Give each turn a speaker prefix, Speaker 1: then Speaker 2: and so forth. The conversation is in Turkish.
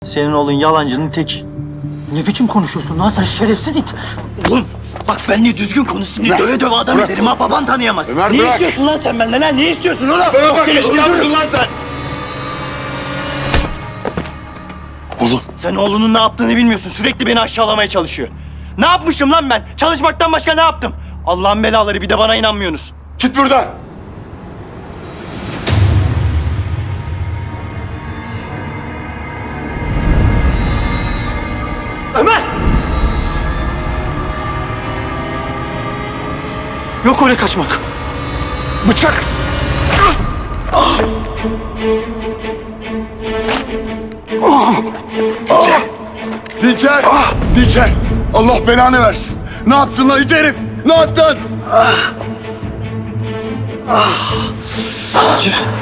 Speaker 1: Senin oğlun yalancının tek. Ne biçim konuşuyorsun lan sen şerefsiz it? Oğlum bak benimle düzgün konuş, seni
Speaker 2: Bırak,
Speaker 1: döve döve adam
Speaker 2: bırak.
Speaker 1: ederim ha, baban tanıyamaz.
Speaker 2: Ömer,
Speaker 1: Ne
Speaker 2: bırak.
Speaker 1: istiyorsun lan sen benden ha? Ne istiyorsun oğlum?
Speaker 2: Bana bak,
Speaker 1: Seni
Speaker 2: eşkıya
Speaker 1: öldürürüm.
Speaker 2: mısın lan sen? Oğlum.
Speaker 1: Sen oğlunun ne yaptığını bilmiyorsun. Sürekli beni aşağılamaya çalışıyor. Ne yapmışım lan ben? Çalışmaktan başka ne yaptım? Allah'ın belaları, bir de bana inanmıyorsunuz.
Speaker 2: Git buradan.
Speaker 1: Ömer! Yok öyle kaçmak.
Speaker 2: Bıçak. Dinçer. Dinçer. Allah belanı versin. Ne yaptın lan it herif? Ne yaptın?
Speaker 1: Acı.